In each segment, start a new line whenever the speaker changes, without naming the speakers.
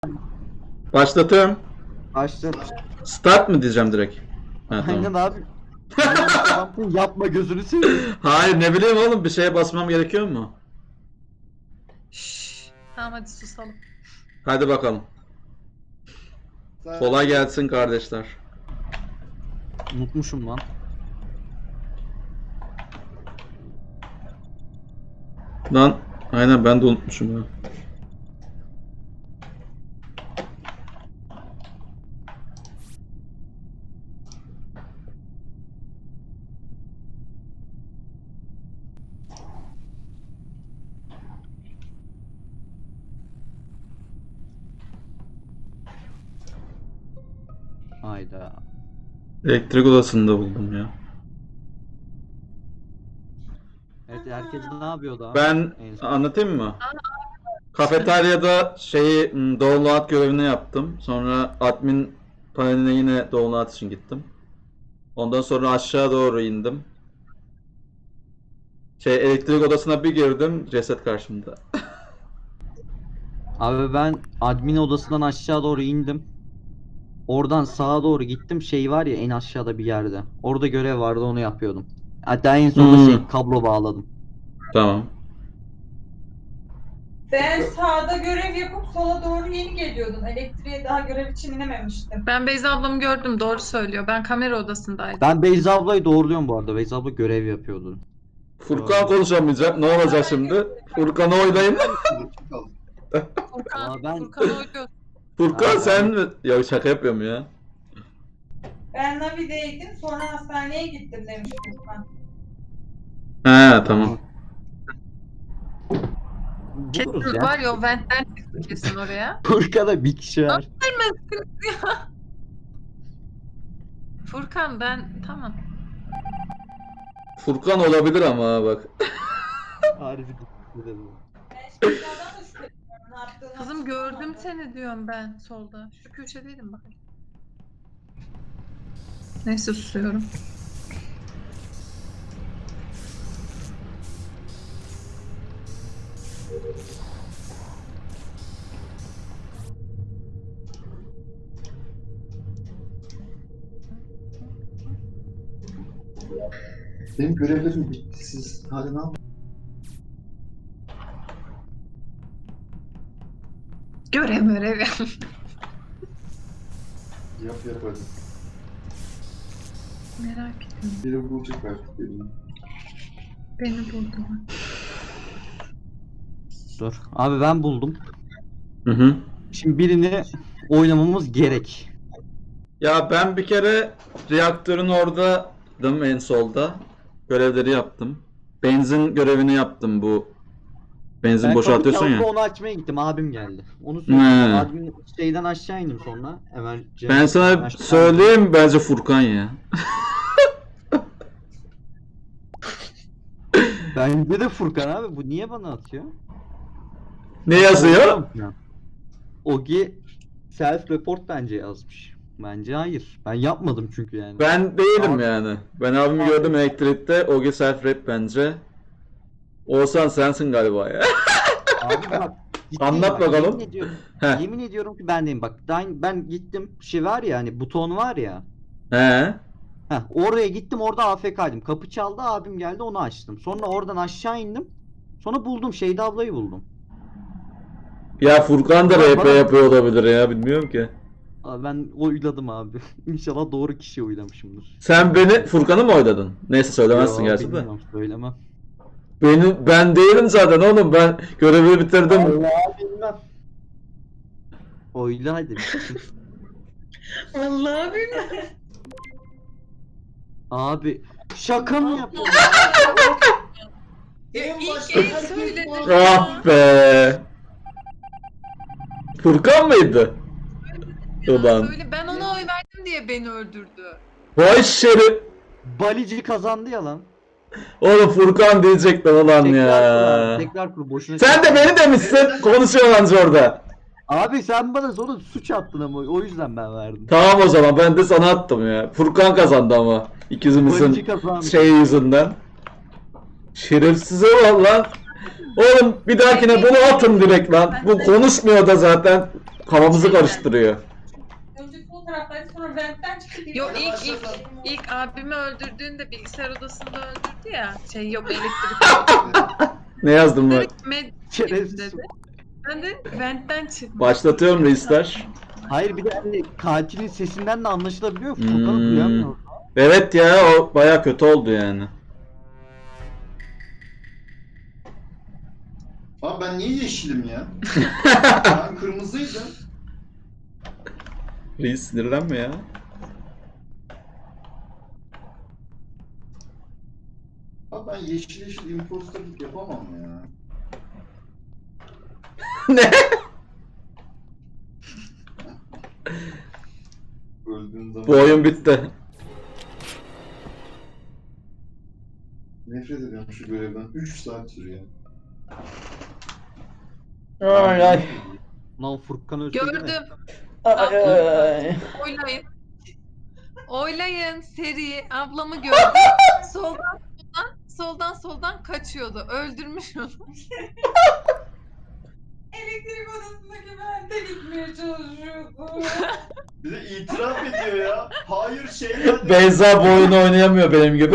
Başlatıyorum.
Başla.
Start mı diyeceğim direkt? Ha,
Aynen
tamam.
abi. Yapma gözünü seveyim.
Hayır, ne bileyim oğlum, bir şeye basmam gerekiyor mu?
Şşş. Tamam hadi susalım.
Hadi bakalım. Kolay gelsin kardeşler.
Unutmuşum lan.
Lan aynen, ben de unutmuşum ya.
Hayda.
Elektrik odasında buldum ya.
Evet, herkes ne yapıyordu abi?
Ben
En son.
anlatayım mı? Kafeteryada download görevini yaptım. Sonra admin paneline yine download için gittim. Ondan sonra aşağı doğru indim. Elektrik odasına bir girdim, ceset karşımda.
Abi ben admin odasından aşağı doğru indim. Oradan sağa doğru gittim. Şey var ya en aşağıda bir yerde. Orada görev vardı, onu yapıyordum. Hatta en sonunda kablo bağladım.
Tamam.
Ben sağda görev yapıp sola doğru yeni geliyordum. Elektriğe daha görev için inememiştim.
Ben Beyza ablamı gördüm, doğru söylüyor. Ben kamera odasındaydım.
Ben Beyza ablayı doğruluyorum bu arada. Beyza abla görev yapıyordu.
Furkan konuşamayacak. Ne olacak şimdi? Furkan'ı oylayın.
Furkan,
Aa, ben-
Furkan oynuyor.
Furkan
Aa,
sen mi? Ya şaka yapıyorum ya.
Ben Navi'deydim, sonra hastaneye gittim demiş Furkan.
He tamam.
Kesin
Buluruz ya.
var ya, o ventten çıktı kesin oraya.
Furkan'da bir kişi var.
Furkan ben tamam.
Furkan olabilir ama ha, bak.
Harbi dedim.
Ben şimdi adam da şüpheleniyorum. Ne yaptığını
Kızım gördüm seni diyorum ben solda. Şu köşedeydim bak. Neyse susuyorum.
Benim görevlerim bitti. Siz hala ne yapıyorsunuz?
Görev ya.
Yap hadi.
Merak ettim.
Biri bulacak artık birini.
Beni buldular.
Dur. Abi ben buldum.
Hı hı.
Şimdi birini oynamamız gerek.
Ya ben bir kere reaktörün oradaydım, en solda. Görevleri yaptım. Benzin görevini yaptım bu. Benzin
Ben
boşaltıyorsun
kapı
ya.
çaldı, onu açmaya gittim. Abim geldi. Onu söyleyeyim.
He.
Admin şeyden aşağı indim sonra. Hemen
Ben sana
aşağı
söyleyeyim, bence Furkan ya.
Bence de Furkan abi. Bu niye bana atıyor?
Ne yazıyor?
Ogi self report bence yazmış. Bence hayır. Ben yapmadım çünkü yani.
Ben değilim
Abi-
yani. Ben abimi gördüm elektrikte. Ogi self rap bence. Oğuzhan sensin galiba ya.
Abi bak. ciddiyim
Anlat
bak,
bakalım.
Yemin ediyorum,
Heh.
yemin ediyorum ki ben değilim. Bak ben gittim, şey var ya hani buton var ya.
He.
Heh, oraya gittim, orada AFK'ydım. Kapı çaldı, abim geldi, onu açtım. Sonra oradan aşağı indim. Sonra buldum, Şeyda ablayı buldum.
Ya Furkan da RP yapıyor olabilir ya, bilmiyorum ki.
Abi ben oyladım abi. İnşallah doğru kişiye oylamışımdır.
Sen Furkan'ı mı oyladın? Neyse söylemezsin
Yo,
gerçi de.
bilmiyorum, söylemem.
Ben değilim zaten oğlum, ben görevi bitirdim.
Allah bilmem. Oyla hadi.
Vallahi bilmiyorum.
Abi şaka mı yapıyorsun?
İlk el söyledim.
Ah be. Furkan mıydı? Ulan.
Böyle ben ona oy verdim diye beni öldürdü.
Vay şerif.
Balici kazandı ya lan.
Oğlum Furkan diyecektim ulan ya.
Tekrar kur boşuna.
Sen de beni demişsin. Konuşuyorlar orada.
Abi sen bana sonra suç attın ama o yüzden ben verdim.
Tamam o zaman, ben de sana attım ya. Furkan kazandı ama.
Balici
İkizimizin
kazandı.
yüzünden. Şerefsize bak lan. Oğlum bir dahakine bunu atın direkt lan. Bu konuşmuyor da zaten. kafamızı karıştırıyor.
Önce sol taraftaydı, sonra ventten çıktı.
Yo
Öyle
ilk
başladı.
abimi öldürdüğünde bilgisayar odasında öldürdü ya. Şey yok elektrik.
Ne yazdım ben?
Direkt med
Şerefsiz.
dedi. Ben de ventten çıktım.
Başlatıyorum reisler.
Hayır bir de hani katilin sesinden de anlaşılabiliyor.
Hmm.
Furkan'ı duyamıyor.
Evet ya, o baya kötü oldu yani.
Abi ben niye yeşilim ya? Ben kırmızıydım.
Reis sinirlenme ya.
Abi ben yeşil imposterlık yapamam ya.
Ne?
Öldüğün zaman...
Bu oyun bitti.
Nefret ediyorum şu görevden. 3 saat sürüyor.
Ay ay.
Lan Furkan ölse değil mi?
Gördüm.
Ay ay.
Oylayın. Oylayın seri. Ablamı gördüm. Soldan kaçıyordu. Öldürmüş onu.
Elektrik odasındaki vente gitmeye çalışıyordu.
Bir de itiraf ediyor ya. Hayır şeyler...
Beyza bu oyunu oynayamıyor benim gibi.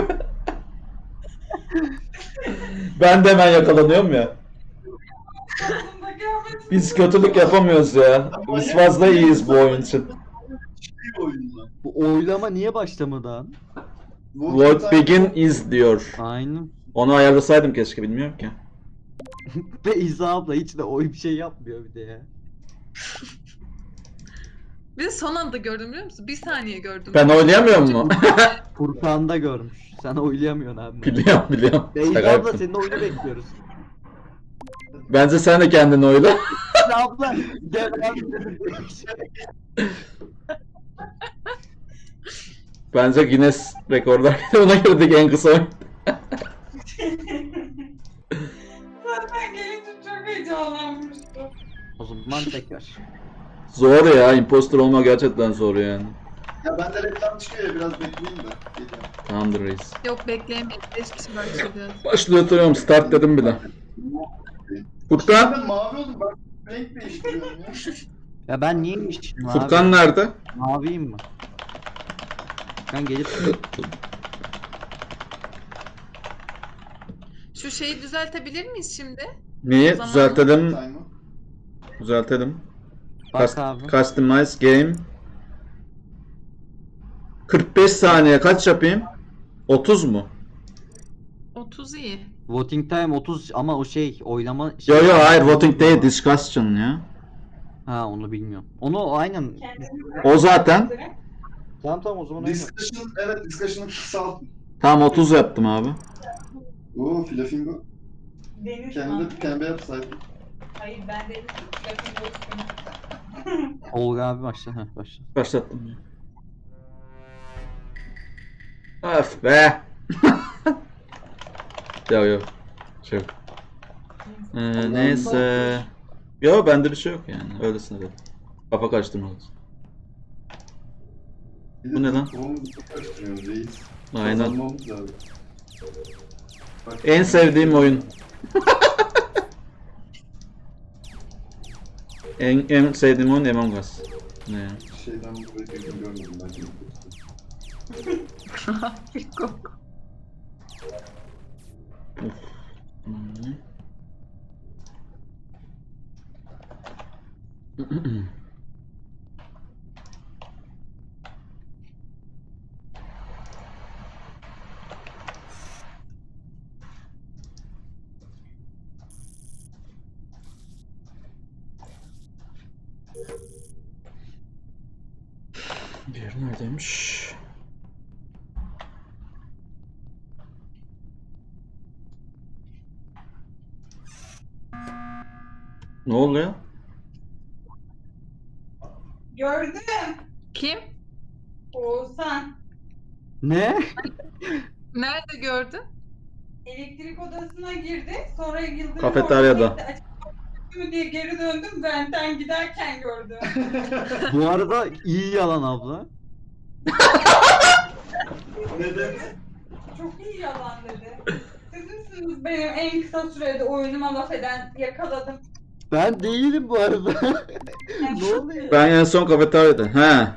Ben de hemen yakalanıyorum ya.
Odasındaki vente-
Biz kötülük yapamıyoruz ya. Biz fazla iyiyiz bu oyun için.
Bir oyunla.
Bu oylama niye başlamadı lan?
What begin is diyor.
Aynen.
Onu ayarlasaydım keşke, bilmiyorum ki.
Ve İza abla hiç de oy bir şey yapmıyor bir de ya.
Bir de son anda gördüm biliyor musun? Bir saniye gördüm.
Ben oynayamıyor mu?
Furkan da görmüş. Sen oylayamıyorsun abi.
Biliyorum.
Beyza
Şaka
abla
yaptım.
senin oyunu bekliyoruz.
Bence sen de kendini oyla.
İza abla gel abi.
Bence Guinness rekorlar ona girdik en kısa oyun.
Zaten gelince çok heyecanlanmıştım.
O zaman tekrar.
Zor ya, imposter olmak gerçekten zor yani.
Ya bende reklam çıkıyor ya, biraz bekleyeyim de. Geliyorum.
Tamamdır reis.
Yok bekleyemeyiz. 5 kişi başladı.
Başlatıyorum, start dedim bile. Furkan?
Ben mavi oldum, ben renk değiştiriyorum ya.
Ya ben niyeymişim abi?
Furkan nerede?
Maviyim mi? Furkan gelip
Şu şeyi düzeltebilir miyiz şimdi?
Neyi?
O zaman-
Düzeltelim.
Time'ı.
Düzeltelim.
bak abi.
Customize game. 45 saniye kaç yapayım? 30 mu?
30 iyi.
Voting time 30 ama o şey oylama
Yo hayır, voting değil, discussion ya.
Ha onu bilmiyorum. Onu aynen.
O zaten.
Tamam o zaman öyle.
Discussion, evet discussion'ı kısaltın.
Tamam 30 yaptım abi.
Oo Flamingo.
Deniz
Kendi pembe yapsaydı.
Hayır ben Deniz Flamingo ismini.
Olga abi başla. Heh başla.
Başlattım ya. Öf be. Yo. Şey yok. Neyse. Yo bende bir şey yok yani. Öylesine dedim. Kafa karıştırmadım. Bu ne lan?
Onu karıştırıyoruz reis.
Aynen.
Kazanmamız lazım. Bak,
En sevdiğim oyun. en sevdiğim oyun Among Us. Ne ya?
Şeyden buraya girdim görmedim ben.
Diğeri neredeymiş? Ne oluyor?
Gördüm.
Kim?
Oğuzhan.
Ne?
Nerede gördün?
Elektrik odasına girdi. Sonra Yıldırım
Kafeteryada.
orada gitti, açık mı diye geri döndüm. Ventten giderken gördüm.
Bu arada iyi yalan abla.
Neden?
Çok iyi yalan dedi. Siz misiniz benim en kısa sürede oyunuma laf eden yakaladım.
Ben değilim bu arada. Ne oluyor?
Ben en son kafeteryada. He.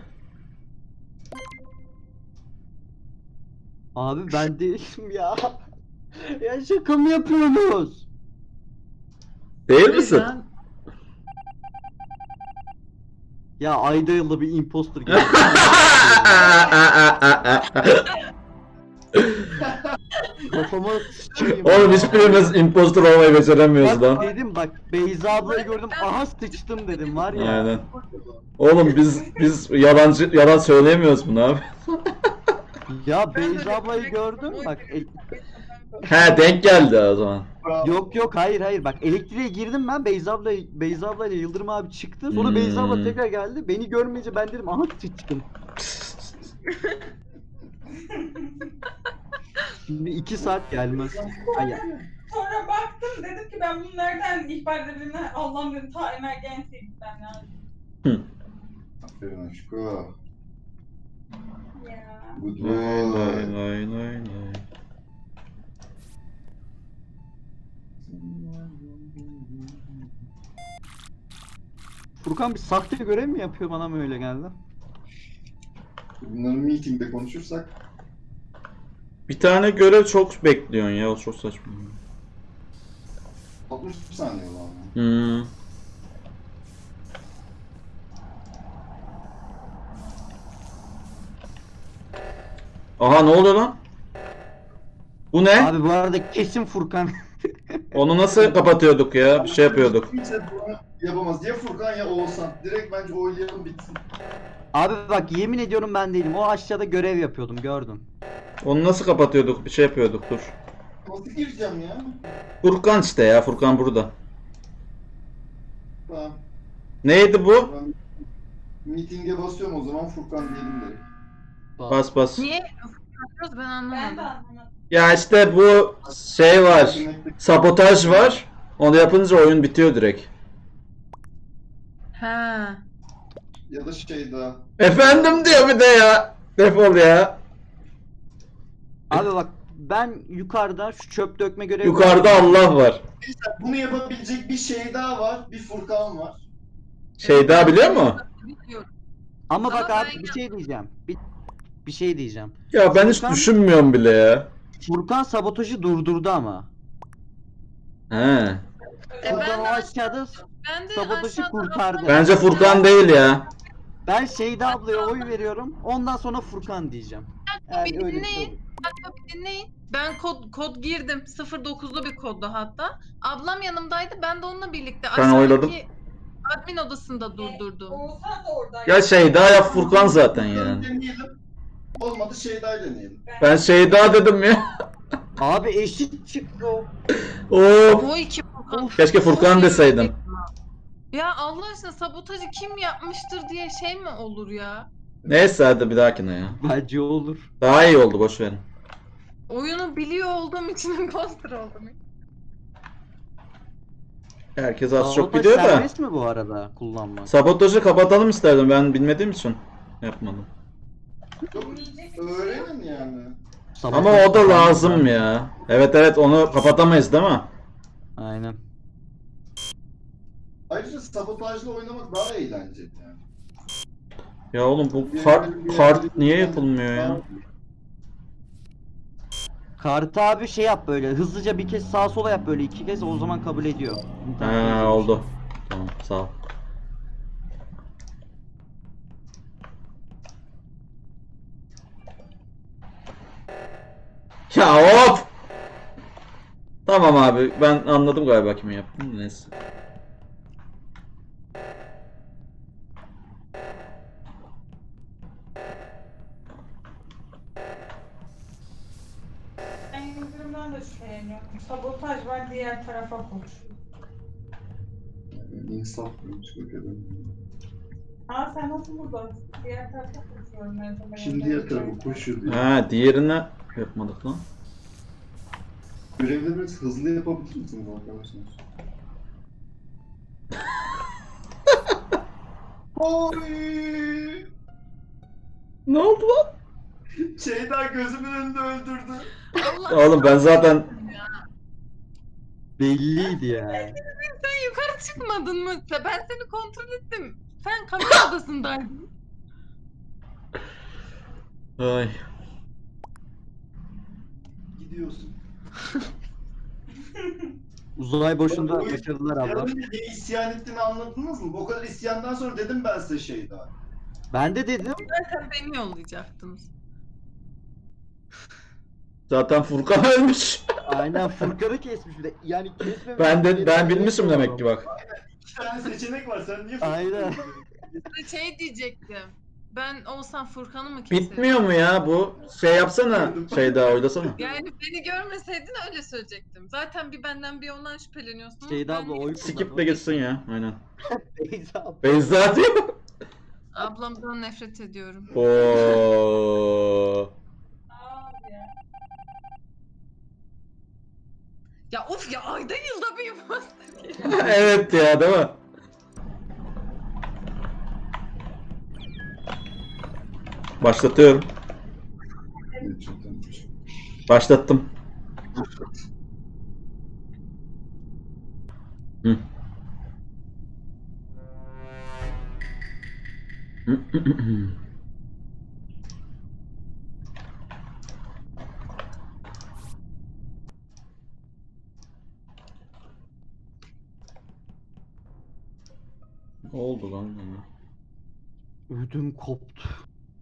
Abi ben değilim ya. Ya şaka mı yapıyorsunuz?
Değil misin?
Ben-
Ya ayda yılda bir imposter geldi. Kafama sıçayım.
Oğlum hiçbirimiz impostor olmayı beceremiyoruz
Bak
lan.
dedim bak Beyza ablayı gördüm aha sıçtım dedim var ya.
Aynen. Oğlum biz yalan söyleyemiyoruz bunu abi.
Ya
Ben
Beyza
öyle
ablayı
direkt
gördüm
oy
bak.
He denk geldi o zaman.
Yok hayır bak elektriğe girdim ben Beyza ablayla Yıldırım abi çıktı sonra Beyza abla tekrar geldi beni görmeyince ben dedim aha sıçtım. Şimdi 2 saat gelmez. Ay,
Sonra baktım dedim ki ben bunu nereden ihbar edebilirim? Allah'ım dedim ta emergency'ye gitmem lazım.
Aferin aşko.
Ya.
Good
Lay lay
boy.
lay lay lay.
Furkan bir sahte görev mi yapıyor bana mı öyle geldi?
Bunları meetingde konuşursak
Bir tane görev çok bekliyorsun ya, o çok saçma.
60 saniye var.
Hmm. Aha ne oluyor lan? Bu ne?
Abi bu arada kesin Furkan.
Onu nasıl kapatıyorduk ya? Bir şey yapıyorduk.
Kimse bunu yapamaz. Ya Furkan ya Oğuzhan. Direkt bence oylayalım bitsin.
Abi bak yemin ediyorum ben değilim. O aşağıda görev yapıyordum gördüm.
Onu nasıl kapatıyorduk? Bir şey yapıyorduk, dur.
Nasıl gireceğim ya?
Furkan işte ya, Furkan burada.
Tamam.
Neydi bu?
Ben meeting'e basıyorum o zaman Furkan diyelim direkt.
Bas bas.
Niye yapıyoruz ben
Ben de
anlamadım.
anlamadım.
Ya işte bu şey var. Sabotaj var. Onu yapınca oyun bitiyor direkt.
Ha.
Ya da şey daha.
Efendim diyor bir de ya. Defol ya.
Abi bak ben yukarıda şu çöp dökme görevi
Yukarıda Allah var.
Bunu yapabilecek bir şey daha var. Bir Furkan var.
Şey daha biliyor mu?
Bilmiyorum.
Ama bak
Ama
abi
ben
bir şey diyeceğim. Bir şey diyeceğim.
Ya ben hiç
Furkan-
düşünmüyorum bile ya.
Furkan sabotajı durdurdu ama.
He.
Furkan
ben
o
de
aşağıda
Ben de
sabotajı
aşağıda
kurtardı.
ablam-
Bence Furkan değil ya.
ben Şeyda ablaya oy veriyorum. Ondan sonra Furkan diyeceğim.
Bir
öyle bir şey
dinleyin.
olur.
Bir dinleyin. Ben kod girdim. 09'lu bir koddu hatta. Ablam yanımdaydı. Ben de onunla birlikte
Ben
aşağıdaki
oyladım.
admin odasında durdurdum.
Oğuzhan da oradaydı.
Ya şey daha ya Furkan zaten yani.
Deneyelim. Olmadı şey daha deneyelim.
Ben şey daha dedim ya.
Abi eşit çıktı o.
Of.
O iki Furkan.
Keşke Furkan deseydim.
Ya Allah aşkına sabotajı kim yapmıştır diye şey mi olur ya?
Neyse hadi bir dahakine ya.
Bence olur.
Daha iyi oldu, boş verin.
Oyunu biliyor olduğum için imposter oldum.
Herkes az çok
Sabotaj
biliyor da.
serbest mi bu arada kullanmak?
Sabotajı kapatalım isterdim, ben bilmediğim için yapmadım.
Yok, öğrenin yani.
Ama o da lazım ya. Evet onu kapatamayız değil mi?
Aynen.
Ayrıca sabotajla oynamak daha eğlenceli yani.
Ya oğlum bu kart niye yapılmıyor ya?
Kartı abi şey yap böyle hızlıca bir kez sağa sola yap böyle 2 kez o zaman kabul ediyor.
He oldu. Tamam sağ ol. Ya hop! Tamam abi, ben anladım galiba kimi yaptım. Neyse.
Ben Yıldırım'dan da şüpheleniyorum. Sabotaj var diğer tarafa koşuyor.
İnsaf çok önemli.
Aa sen nasıl buradasın? Diğer tarafa koşuyorum her zaman.
Şimdi diğer tarafa koşuyor diye.
Ha diğerine yapmadık lan.
Görevleri biraz hızlı yapabilir misiniz arkadaşlar? Oy!
Ne oldu lan?
Şeyda gözümün önünde öldürdü.
Allah
Oğlum ben zaten
Belliydi ya.
sen yukarı çıkmadın mı? Ben seni kontrol ettim. Sen kamera odasındaydın.
Ay.
Gidiyorsun.
Uzay boşunda
Oy,
başarılar abla.
Yarın niye isyan ettiğini anladınız mı? O kadar isyandan sonra dedim ben size şey daha.
Ben de dedim.
Zaten beni yollayacaktınız.
Zaten Furkan ölmüş.
Aynen Furkan'ı kesmiş bir de. Yani kesmemiş.
Ben bilmişim demek ki bak.
2 tane seçenek var sen niye
Aynen.
Şey diyecektim. Ben olsam Furkan'ı mı keserim?
Bitmiyor mu ya bu? Şey yapsana. Şey daha oylasana.
Yani beni görmeseydin öyle söyleyecektim. Zaten bir benden bir ondan şüpheleniyorsunuz.
Şeyde abla oy
Skip'le gitsin ya. Aynen.
Beyza abla.
Beyza diyor.
Ablamdan nefret ediyorum.
Oo.
Abi ya.
Ya of ya ayda yılda bir imposter.
Evet ya, değil mi? Başlatıyorum. Başlattım. Hı. Ne oldu lan bana?
Ödüm koptu.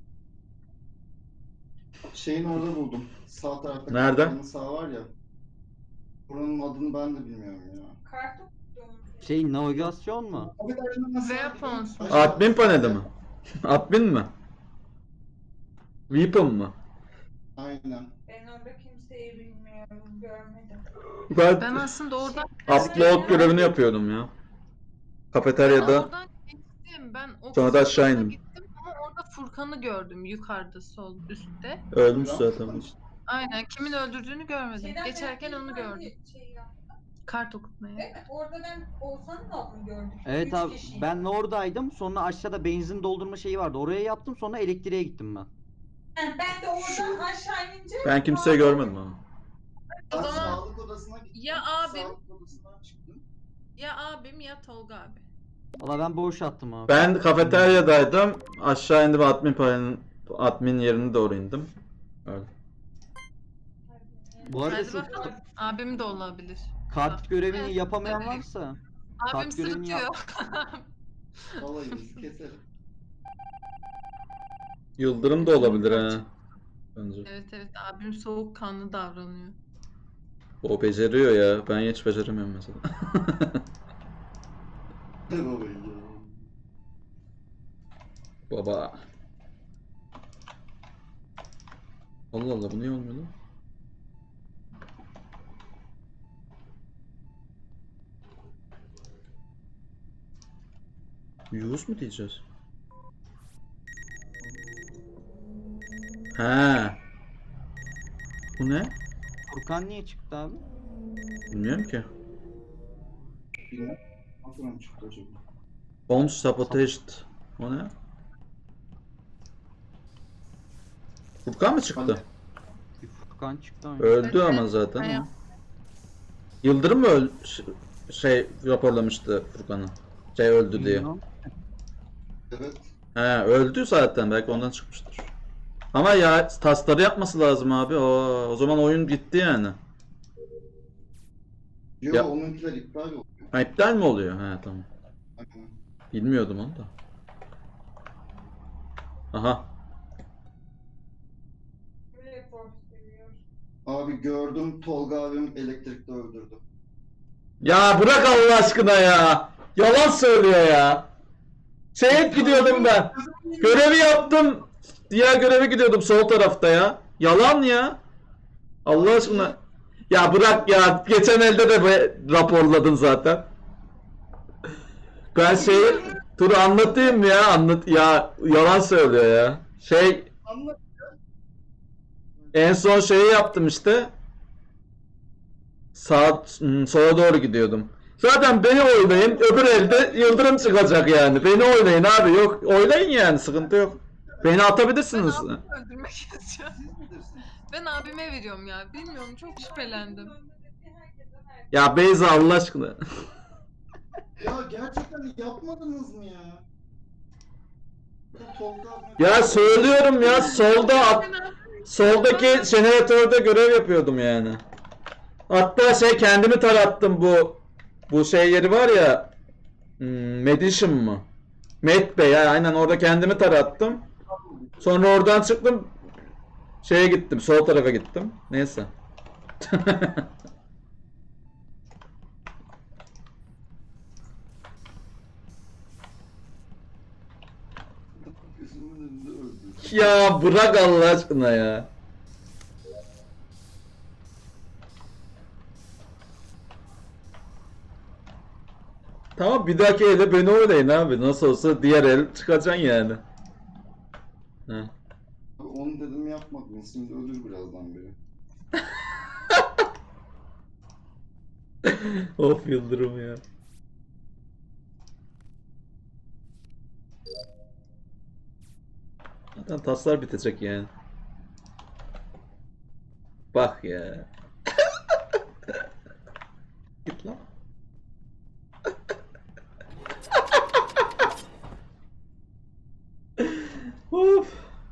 Şeyin orada buldum. Sağ tarafta.
Nerede?
kapının Sağ var ya. Buranın adını ben de bilmiyorum ya.
Kartı tuttum.
Şey navigasyon mu?
Weapons.
Admin paneli mi? Admin mi? Weapon mı?
Aynen.
Ben orada kimseyi bilmiyorum, görmedim.
Ben aslında oradan
Upload görevini yapıyordum ya. Kafeteryada.
oradan geçtim. Ben o
Sonra da aşağı
kısma
indim.
gittim ama orada Furkan'ı gördüm yukarıda sol üstte.
Ölmüş zaten.
Aynen kimin öldürdüğünü görmedim.
Şeyden
Geçerken
ben
onu
bir
gördüm.
Şey yaptım.
Kart okutmaya.
Evet, orada ben Oğuzhan'ın adını gördüm.
Evet
Üç
abi
kişiydi.
ben oradaydım. Sonra aşağıda benzin doldurma şeyi vardı. Oraya yaptım. Sonra elektriğe gittim ben.
Ben de oradan aşağı inince...
Ben kimseyi görmedim ama.
Ben
O zaman
sağlık odasına gittim.
ya abim-
Sağlık odasından çıktım.
ya abim ya Tolga abi.
Valla ben boş attım abi.
Ben kafeteryadaydım. Aşağı indim, admin yerine doğru indim. Öyle.
Bu arada
Hadi
şu
bakalım. Abim de olabilir.
kart görevini
Evet,
yapamayan
evet.
varsa.
Abim
Kart görevini
sırıtıyor.
Vallahi bizi keserim.
Yıldırım da olabilir ha. Bence.
Evet evet abim soğukkanlı davranıyor.
O beceriyor ya. Ben hiç beceremiyorum mesela.
Vallahi ya.
Baba. Allah Allah, bu niye olmuyor lan? Yunus mu diyeceğiz? Ha. Bu ne?
Furkan niye çıktı abi?
Bilmiyorum ki.
Bilmem. Aklım çıktı acaba.
Bomb sabotaged. O ne? Furkan mı çıktı?
Bir Furkan çıktı ama.
Öldü
Evet,
ama zaten.
evet.
o. Yıldırım mı şey raporlamıştı Furkan'ı? Şey öldü diye.
Bilmiyorum.
Evet.
He, öldü zaten, belki ondan çıkmıştır. Ama ya tasları yapması lazım abi. O zaman oyun gitti yani.
Yok
Ya-
onunkiler iptal oluyor.
Ha, iptal mi oluyor? He, tamam.
Aynen.
Bilmiyordum onu da. Aha.
Böyle force seviyor.
Abi gördüm Tolga abim elektrikte öldürdü.
Ya bırak Allah aşkına ya. Yalan söylüyor ya. Şeye gidiyordum ben. Görevi yaptım. Diğer göreve gidiyordum sol tarafta ya. Yalan ya. Allah aşkına. Ya bırak ya. Geçen elde de raporladın zaten. Ben dur anlatayım ya. Anlat ya. Yalan söylüyor ya.
Anlat.
En son şeyi yaptım işte. Sola doğru gidiyordum. Zaten beni oylayın. Öbür elde yıldırım çıkacak yani. Beni oylayın abi. Yok oylayın yani. Sıkıntı yok. Beni atabilirsiniz.
Ben abimi öldürmek istiyorum.
Siz bilirsiniz.
Ben abime veriyorum ya. Bilmiyorum çok şüphelendim.
Ya Beyza Allah aşkına.
Ya gerçekten yapmadınız mı ya?
Ya söylüyorum ya soldaki jeneratörde görev yapıyordum yani. Hatta kendimi tarattım bu yeri var ya, Medicine mı? Med Bey ya, aynen orada kendimi tarattım. Sonra oradan çıktım, gittim, sol tarafa gittim. Neyse.
Gözümün önünde öldürdüm.
Ya bırak Allah aşkına ya. Tamam, bir dahaki elde beni oynayın abi. Nasıl olsa diğer el çıkacaksın yani. Heh.
Abi onu dedim yapmadın. Şimdi ölür birazdan biri.
Of Yıldırım ya. Zaten taslar bitecek yani. Bak ya. Git lan. Of.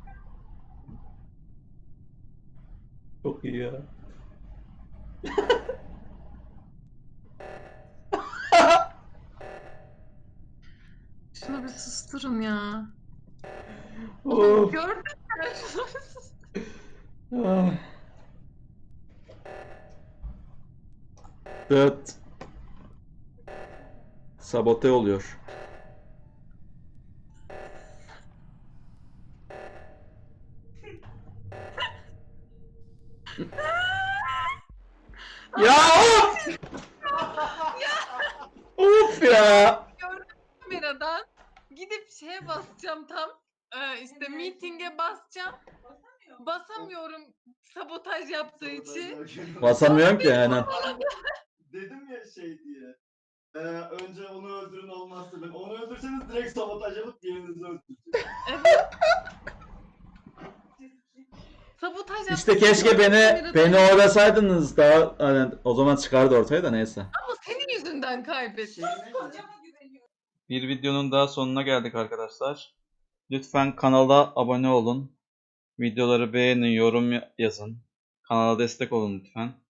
Çok iyi ya.
Şunu bir susturun ya.
Of.
Gördün mü?
Ah. Evet. Sabote oluyor. Ya of! Of ya!
Gördüm kameradan. Gidip basacağım tam. İşte meeting'e basacağım. Basamıyorum sabotaj yaptığı için.
Basamıyorum ki aynen.
Dedim ya diye. Önce onu öldürün olmazsa ben. Onu öldürseniz direkt sabotaj yapıp birinizi öldüreceğim.
Evet. Sabotaj yaptığı
İşte
için
keşke
gördüm
beni
kameradan.
oynasaydınız daha hani, o zaman çıkardı ortaya da, neyse.
Ama senin yüzünden kaybettim.
Kocama güveniyorum.
Bir videonun daha sonuna geldik arkadaşlar. Lütfen kanala abone olun. Videoları beğenin, yorum yazın. Kanala destek olun lütfen.